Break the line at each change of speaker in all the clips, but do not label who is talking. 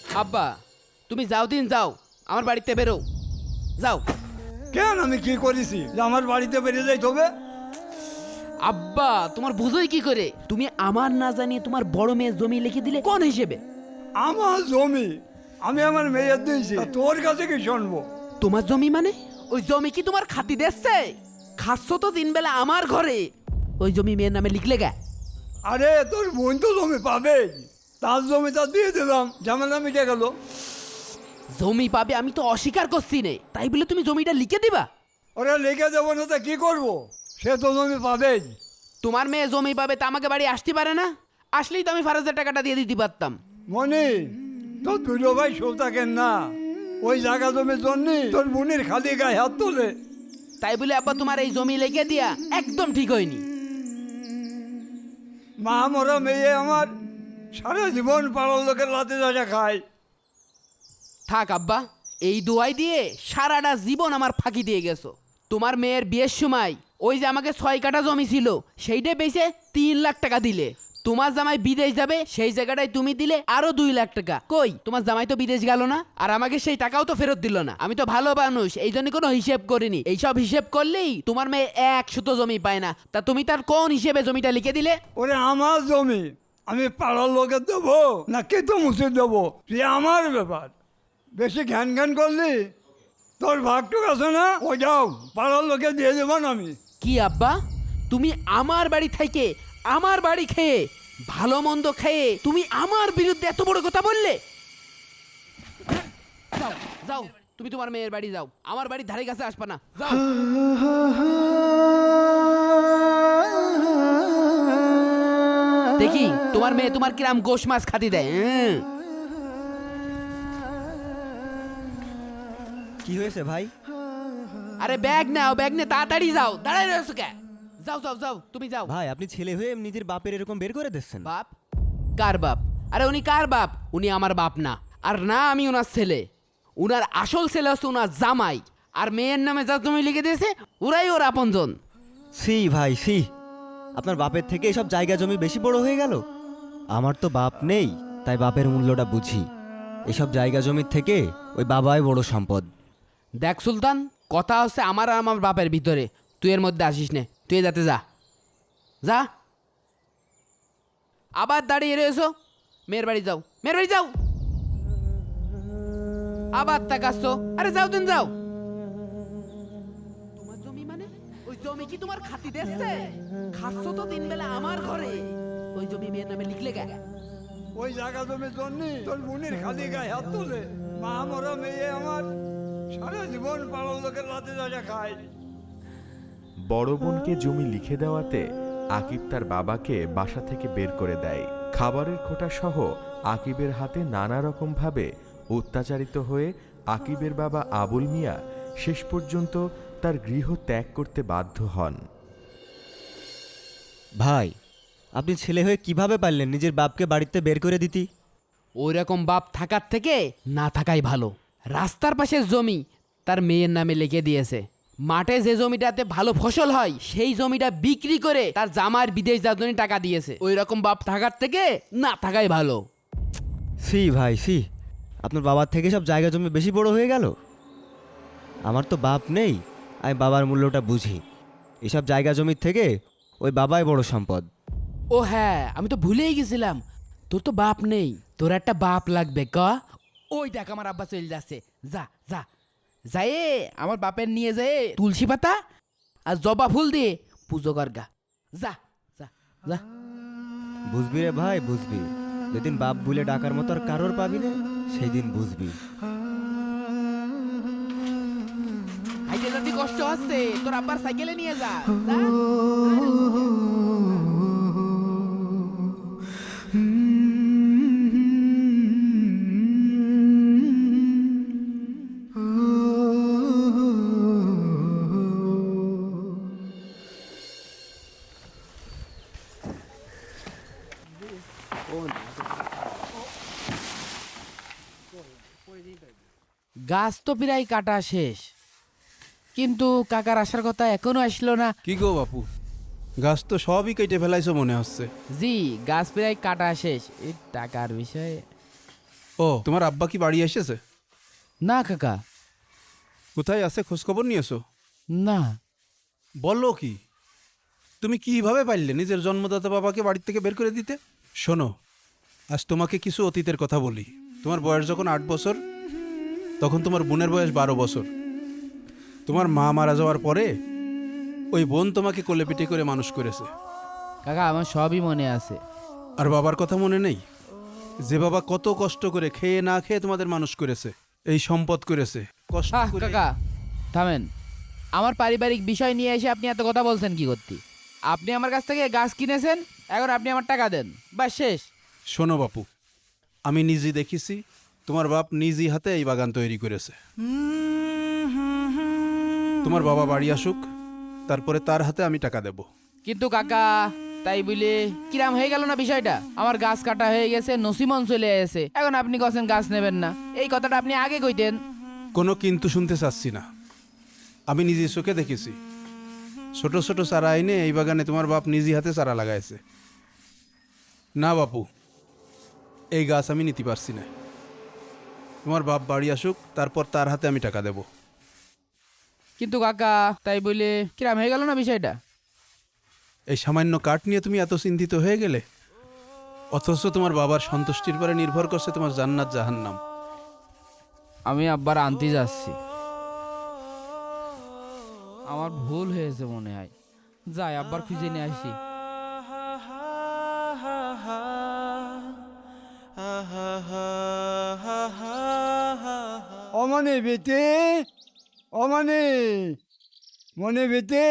আব্বা তুমি যাও দিন যাও, আমার বাড়িতে বেরো যাও।
কেন আমি কি করেছি যে আমার বাড়িতে বেরিয়ে যাইতে হবে?
আব্বা তোমার বুঝোই কি করে? তুমি আমার না জানিয়ে তোমার বড় মেয়ের জমি লিখে দিলে কোন হিসেবে?
আমার জমি আমি আমার মেয়ের দিয়েছি, তা তোর কাছে কি শুনবো?
তোমার জমি মানে? ওই জমি কি তোমার খাতি দিচ্ছে? খাচ্ছ তো দিন বেলা আমার ঘরে, ওই জমি মেয়ের নামে লিখলে গে?
আরে তোর বোন তো জমি পাবে, তার জমিটা দিয়ে দিলাম, ঝামেলা মিটে গেল।
জমি পাবে আমি তো অস্বীকার করছি নে, তাই বলে তুমি জমিটা লিখে দিবা?
ওরা লিখে দেবো না তা কি করবো? সে তো জমি পাবে।
তোমার মেয়ে জমি পাবে তা আমাকে বাড়ি আসতে পারে না? আসলেই তো আমি ফারাজের টাকাটা দিয়ে দিতে পারতাম।
মনি, তোর দুটো ভাই সব থাকেন না, ওই জায়গা জমির জন্য তোর বোনের খালি গায়ে হাত তোলে।
তাই বলে আব্বা তোমার এই জমি লিখে দিয়া একদম ঠিক হয়নি।
মা মরা মেয়ে আমার সারা জীবন পাড়ার লোকের লাতে যা খায়।
থাক আব্বা, এই দোয়াই দিয়ে সারাটা জীবন আমার ফাঁকি দিয়ে গেছো। তোমার মেয়ের বিয়ের সময় ওই যে আমাকে 6 কাঠা জমি ছিল সেইটা বেচে 3 লাখ টাকা দিলে। তোমার জামাই বিদেশ যাবে সেই জায়গাটায় তুমি দিলে আরো 2 লাখ টাকা। কই তোমার জামাই তো বিদেশ গেল না, আর আমাকে সেই টাকাও তো ফেরত দিল না। আমি তো ভালো মানুষ, এই জন্য কোনো হিসেব করিনি। এইসব হিসেব করলেই তোমার মেয়ে 1 সুতো জমি পায় না, তা তুমি তার কোন হিসেবে জমিটা লিখে দিলে?
ওরে আমার জমি আমি পাড়ার লোকের দেবো না কে তো মুছে দেবো, সে আমার ব্যাপার। বেশি ঘ্যান ঘ্যান করলি তোর ভাগটুক আছে না, ও যাও পাড়ার লোকে দিয়ে দেবো না আমি।
কি আব্বা, তুমি আমার বাড়ি থেকে আমার বাড়ি খেয়ে ভালো মন্দ খেয়ে তুমি আমার বিরুদ্ধে এত বড় কথা বললে? যাও যাও, তুমি তোমার মেয়ের বাড়ি যাও, আমার বাড়ির ধারে কাছে আসবে না, যাও। দেখি তোমার মেয়ে তোমার কিরাম গোশ মাছ খাতি দেয়।
কি হয়েছে ভাই?
আরে ব্যাগ নাও, ব্যাগ নে, তাড়াতাড়ি যাও, দাঁড়ায় রয়েছো কে? যাও যাও যাও, তুমি যাও।
ভাই আপনি ছেলে হয়ে নিজের বাপের এরকম বের করে দিচ্ছেন?
বাপ? কার বাপ? আরে উনি কার বাপ? উনি আমার বাপ না, আর না আমি ওনার ছেলে। উনার আসল ছেলে হচ্ছে ওনার জামাই, আর মেয়ের নামে যা জমি লিখে দিয়েছে ওরাই ওর আপনজন।
সি ভাই সি, আপনার বাপের থেকে এসব জায়গা জমি বেশি বড় হয়ে গেল। আমার তো বাপ নেই, তাই বাপের মূল্যটা বুঝি। এসব জায়গা জমির থেকে ওই বাবাই বড় সম্পদ।
দেখ সুলতান, কথা হচ্ছে আমার আর আমার বাপের ভিতরে, তুই এর মধ্যে আসিস নে, তুই যাতে যা যা। আবার দাঁড়িয়ে রয়েছো, মেয়ের বাড়ি যাও, মেয়ের বাড়ি যাও। আবার তাকাচ্ছ, আরে যাও দিন যাও। তোমার জমি মানে? ওই জমি কি তোমার খাতি দিচ্ছে? খাচ্ছ তো দিন বেলা আমার ঘরে, ওই জমি মেয়ের নামে লিখলে গে?
ওই জায়গা জমির জন্য তোর বোনের খালি গায়ে হাত তোলে। মা মরা মেয়ে আমার সারা জীবন পাড়ার লোকের লাতে যা খায়।
বড় বোনকে জমি লিখে দেওয়াতে আকিব তার বাবাকে বাসা থেকে বের করে দেয়। খাবারের খোঁটা সহ আকিবের হাতে নানা রকমভাবে অত্যাচারিত হয়ে আকিবের বাবা আবুল মিয়া শেষ পর্যন্ত তার গৃহ ত্যাগ করতে বাধ্য হন।
ভাই আপনি ছেলে হয়ে কিভাবে পারলেন নিজের বাপকে বাড়িতে বের করে দিতি?
ওই রকম বাপ থাকার থেকে না থাকাই ভালো। রাস্তার পাশের জমি তার মেয়ের নামে লিখে দিয়েছে। মাঠে যে জমিটাতে ভালো ফসল হয় সেই জমিটা বিক্রি করে তার জামার বিদেশ যাওয়ার জন্য টাকা দিয়েছে। ওই রকম বাপ থাকার থেকে না থাকাই ভালো।
সি ভাই সি, আপনার বাবার থেকে সব জায়গা জমি বেশি বড় হয়ে গেল। আমার তো বাপ নেই, আমি বাবার মূল্যটা বুঝি। এসব জায়গা জমির থেকে ওই বাবাই বড় সম্পদ।
ও হ্যাঁ, আমি তো ভুলেই গেছিলাম, তোর তো বাপ নেই, তোর একটা বাপ লাগবে। ক ওই দেখ আমার আব্বা চলে যাচ্ছে, যা যা যায় আমার বাপের নিয়ে যায় তুলসী পাতা আর জবা ফুল দিয়ে পুজো কর গা, যা যা যা।
বুঝবি রে ভাই বুঝবি, যেদিন বাপ বলে ডাকার মতো আর কারোর পাবি না সেই দিন বুঝবি।
হাইটে যদি কষ্ট হচ্ছে তোর আব্বার সাইকেলে নিয়ে যা, যা। গাছ তো প্রায় কাটা শেষ, কিন্তু কাকার আসার কথা এখনো আসলো না।
কি গো বাপু, গাছ তো সবই কেটে ফেলাইছো মনে হচ্ছে।
জি, গাছ প্রায় কাটা শেষ, এই টাকার বিষয়ে।
ও ও তোমার আব্বা কি বাড়ি এসেছে?
না কাকা,
কোথায় আছে খোঁজখবর নিয়েছো?
না।
বললো কি? তুমি কিভাবে পারলে নিজের জন্মদাতা বাবাকে বাড়ি থেকে বের করে দিতে? শোনো, আজ তোমাকে কিছু অতীতের কথা বলি। তোমার বয়স যখন 8 বছর, তখন তোমার বোনের বয়স 12 বছর। তোমার মা মারা যাওয়ার পরে ওই বোন তোমাকে কোলে পিঠে করে মানুষ করেছে।
কাকা আমার সবই মনে আছে।
আর বাবার কথা মনে নেই? যে বাবা কত কষ্ট করে খেয়ে না খেয়ে তোমাদের মানুষ করেছে, এই সম্পদ করেছে কষ্ট করে।
কাকা থামেন, আমার পারিবারিক বিষয় নিয়ে এসে আপনি এত কথা বলছেন কি করতে? আপনি আমার কাছ থেকে গাছ কিনেছেন, এখন আপনি আমার টাকা দেন, বাস শেষ।
শোনো বাপু, আমি নিজে দেখেছি তোমার বাপ নিজই হাতে এই বাগান তৈরি করেছে। তোমার বাবা বাড়ি আসুক, তারপরে তার হাতে আমি টাকা দেব।
কিন্তু কাকা তাই বলে কিরাম হয়ে গেল না বিষয়টা? আমার গাছ কাটা হয়ে গেছে, নসিমন চলে এসেছে, এখন আপনি কছেন গাছ নেবেন না। এই কথাটা আপনি আগে কইতেন।
কোনো কিন্তু শুনতে চাচ্ছি না। আমি নিজে চোখে দেখেছি ছোট ছোট চারা এনে এই বাগানে তোমার বাপ নিজে হাতে চারা লাগাইছে। না বাপু, এই গাছ আমি নিতে পারছি না। তোমার বাপ বাড়ি আসুক, তারপর তার হাতে আমি টাকা দেব।
কিন্তু কাকা তাই বলে কিরাম হয়ে গেল না বিষয়টা?
এই সামান্য কাঠ নিয়ে তুমি এত চিন্তিত হয়ে গেলে, অথচ তোমার বাবার সন্তুষ্টির পরে নির্ভর করছে তোমার জান্নাত জাহান্নাম।
আমি আব্বার আনতে যাচ্ছি। আমার ভুল হয়েছে মনে হয়, যাই আব্বার খুঁজে নিয়ে আসি।
অমনে বেতে, অমনে মনে বেতে।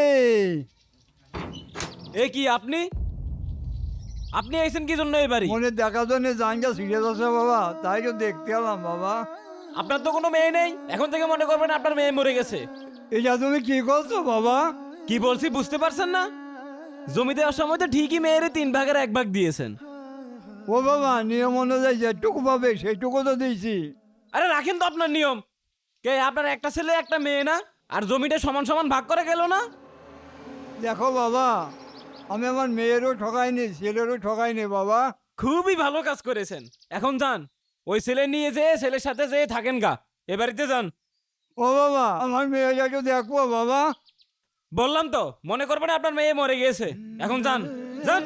এ কি আপনি আপনি আইছেন কি জন্য এই বাড়ি?
মনে দেখা জন্য জানটা সিরিয়াস আছে বাবা, তাই তো দেখতে এলাম বাবা।
আপনার তো কোনো মেয়ে নেই, এখন থেকে মনে করবেন আপনার মেয়ে মরে গেছে।
এটা তুমি কি করছো বাবা?
কি বলছি বুঝতে পারছেন না? জমি দেওয়ার সময় তো ঠিকই মেয়ের 3 ভাগের 1 ভাগ দিয়েছেন।
ও বাবা, নিয়ম অনুযায়ী যেটুকু পাবে সেইটুকু তো দিয়েছি।
আরে রাখেন তো আপনার নিয়ম। কে আপনার একটা ছেলে একটা মেয়ে না? আর জমিটা সমান সমান ভাগ করে গেল না?
দেখো বাবা, আমি আমার মেয়েরও ঠকাইনি, ছেলেরও ঠকাইনি বাবা।
খুবই ভালো কাজ করেছেন। এখন যান, ওই ছেলে নিয়ে যেয়ে ছেলের সাথে যেয়ে থাকেন গা, এ বাড়িতে যান।
ও বাবা, আমার মেয়েটাকে দেখবো বাবা।
বললাম তো মনে করবেন আপনার মেয়ে মরে গিয়েছে। এখন যান যান।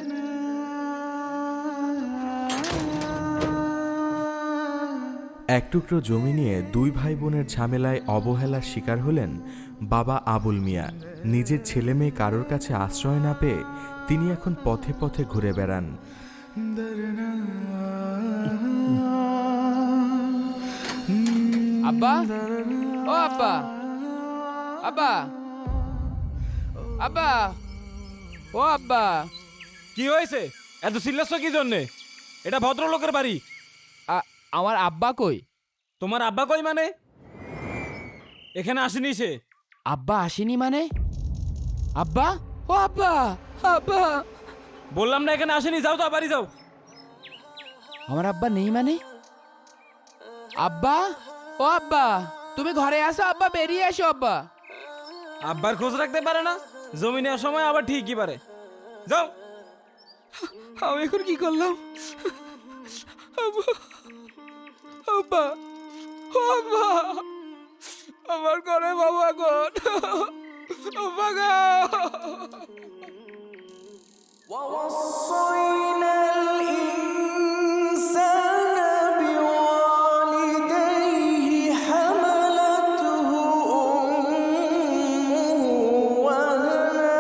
এক টুকরো জমি নিয়ে দুই ভাই বোনের ঝামেলায় অবহেলার শিকার হলেন বাবা আবুল মিয়া। নিজের ছেলে মেয়ে কারোর কাছে আশ্রয় না পেয়ে তিনি এখন পথে পথে ঘুরে বেড়ান।
আব্বা, ও আব্বা, আব্বা, আব্বা, ও আব্বা।
কি হয়েছে? এত চিল্লাচ্ছ কি জন্যে? এটা ভদ্রলোকের বাড়ি।
আমার আব্বা কই?
তোমার আব্বা কই মানে? এখানে আসেনি সে।
আব্বা আসেনি মানে? আব্বা, ও আব্বা, আব্বা।
বললাম না এখানে আসেনি, যাও তো বাড়ি যাও।
আমার আব্বা নেই মানে? আব্বা, ও আব্বা, তুমি ঘরে আসো আব্বা, বেরিয়ে এসো আব্বা।
আব্বার খোঁজ রাখতে পারে না, জমি নেওয়ার সময় আবার ঠিকই পারে। যাও।
আমি এখন কি করলাম? আব্বা, আব্বা, ও আব্বা, আমার ঘরে বাবা কোন? আব্বা গো।
ووصينا الإنسان بوالديه حملته أمه وهنا.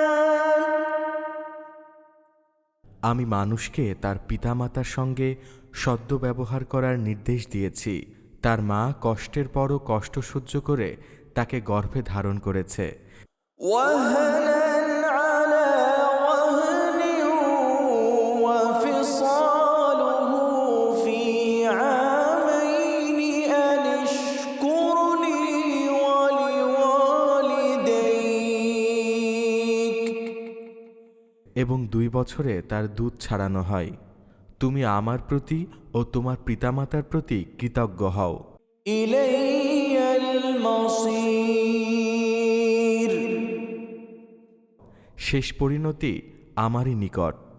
আমি মানুষকে তার পিতামাতার সঙ্গে সদ্য ব্যবহার করার নির্দেশ দিয়েছি। তার মা কষ্টের পরও কষ্ট সহ্য করে তাকে গর্ভে ধারণ করেছে।
وهنا على وهن وفصاله في عامين أن اشكر لي ولوالديك.
এবং 2 বছরে তার দুধ ছাড়ানো হয়। তুমি আমার প্রতি ও তোমার পিতামাতার প্রতি কৃতজ্ঞ হও।
إلي المصير.
শেষ পরিণতি আমারই নিকট।